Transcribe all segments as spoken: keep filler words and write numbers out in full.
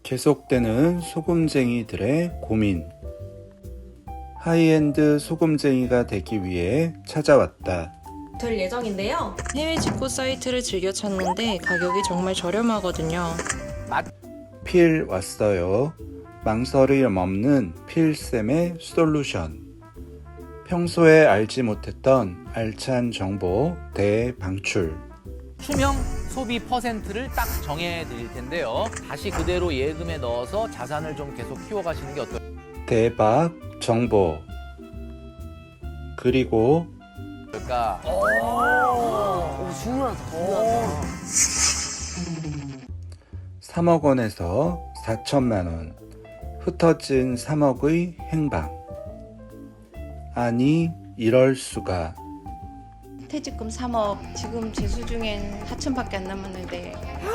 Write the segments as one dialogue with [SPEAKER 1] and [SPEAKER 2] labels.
[SPEAKER 1] 계속되는 소금쟁이들의 고민. 하이엔드 소금쟁이가 되기 위해 찾아왔다.
[SPEAKER 2] 될 예정인데요.
[SPEAKER 3] 해외 직구 사이트를 즐겨 찾는데 가격이 정말 저렴하거든요.
[SPEAKER 1] 필 왔어요. 망설임 없는 필쌤의 솔루션. 평소에 알지 못했던 알찬 정보 대방출.
[SPEAKER 4] 투명 소비 퍼센트를 딱 정해 드릴 텐데요. 다시 그대로 예금에 넣어서 자산을 좀 계속 키워가시는 게 어떨까요?
[SPEAKER 1] 대박 정보. 그리고
[SPEAKER 5] 오, 중요하다, 중요하다.
[SPEAKER 1] 삼억 원에서 사천만 원. 흩어진 삼억의 행방. 아니, 이럴 수가.
[SPEAKER 6] 퇴직금 삼억, 지금 제 수중엔 사천밖에 안 남았는데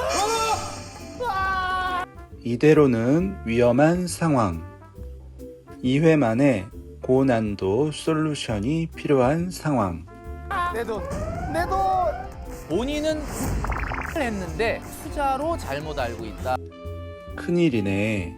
[SPEAKER 1] 이대로는 위험한 상황. 이 회 만에 고난도 솔루션이 필요한 상황.
[SPEAKER 5] 내 돈, 내 돈!
[SPEAKER 4] 본인은 했는데 투자로 잘못 알고 있다.
[SPEAKER 1] 큰일이네.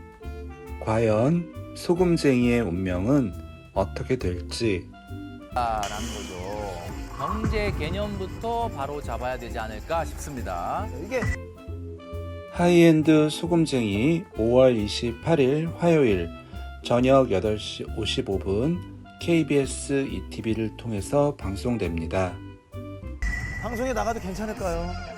[SPEAKER 1] 과연 소금쟁이의 운명은 어떻게 될지.
[SPEAKER 4] 라는 거죠. 경제 개념부터 바로 잡아야 되지 않을까 싶습니다.
[SPEAKER 5] 이게
[SPEAKER 1] 하이엔드 소금쟁이 오월 이십팔일 화요일 저녁 여덟 시 오십오 분 케이비에스 이티비를 통해서 방송됩니다.
[SPEAKER 5] 방송에 나가도 괜찮을까요?